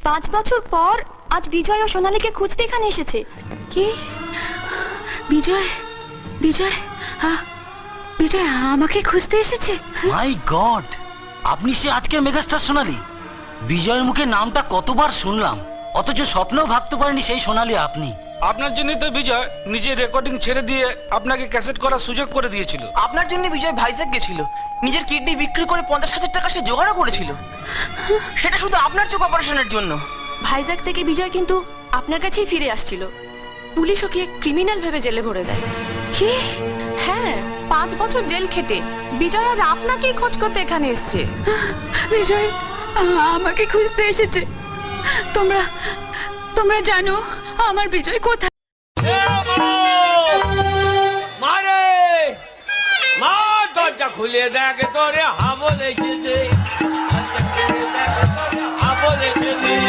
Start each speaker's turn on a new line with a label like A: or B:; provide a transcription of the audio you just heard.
A: 5 বছর পর আজ বিজয় ও সোনালীকে খুঁজতে এখানে এসেছে।
B: কি? বিজয় বিজয় বিজয় আমাকে খুঁজতে এসেছে?
C: মাই গড, আপনি সে আজকের মেগাস্টার সোনালী। বিজয়ের মুখে নামটা কতবার শুনলাম, অথচ স্বপ্নেও ভাবতে পারেনি সেই সোনালী আপনি।
D: আপনার জন্যই তো বিজয় নিজের রেকর্ডিং ছেড়ে দিয়ে আপনাকে ক্যাসেট করার সুযোগ করে দিয়েছিল।
E: আপনার জন্য বিজয় ভাইজ্যাক গেছিল, নিজের কিডনি বিক্রি করে 50,000 টাকা সে জোগাড়ও করেছিল, সেটা শুধু আপনার চোখ অপারেশনের জন্য।
A: ভাইজ্যাক থেকে বিজয় কিন্তু আপনার কাছেই ফিরে আসছিল। পুলিশ ওকে ক্রিমিনাল ভেবে জেলে ভরে দেয়।
B: কি?
A: হ্যাঁ, 5 বছর জেল খেটে বিজয় আজ আপনাকেই খোঁজ করতে এখানে এসেছে।
B: বিজয় আমাকে খুঁজতে এসেছে। তোমরা তোমরা জানো আমার বিজয় কোথায়?
F: মারে মা, দরজা খুলে দেখে তোরে হাবল এসেছে, হাবল এসেছে।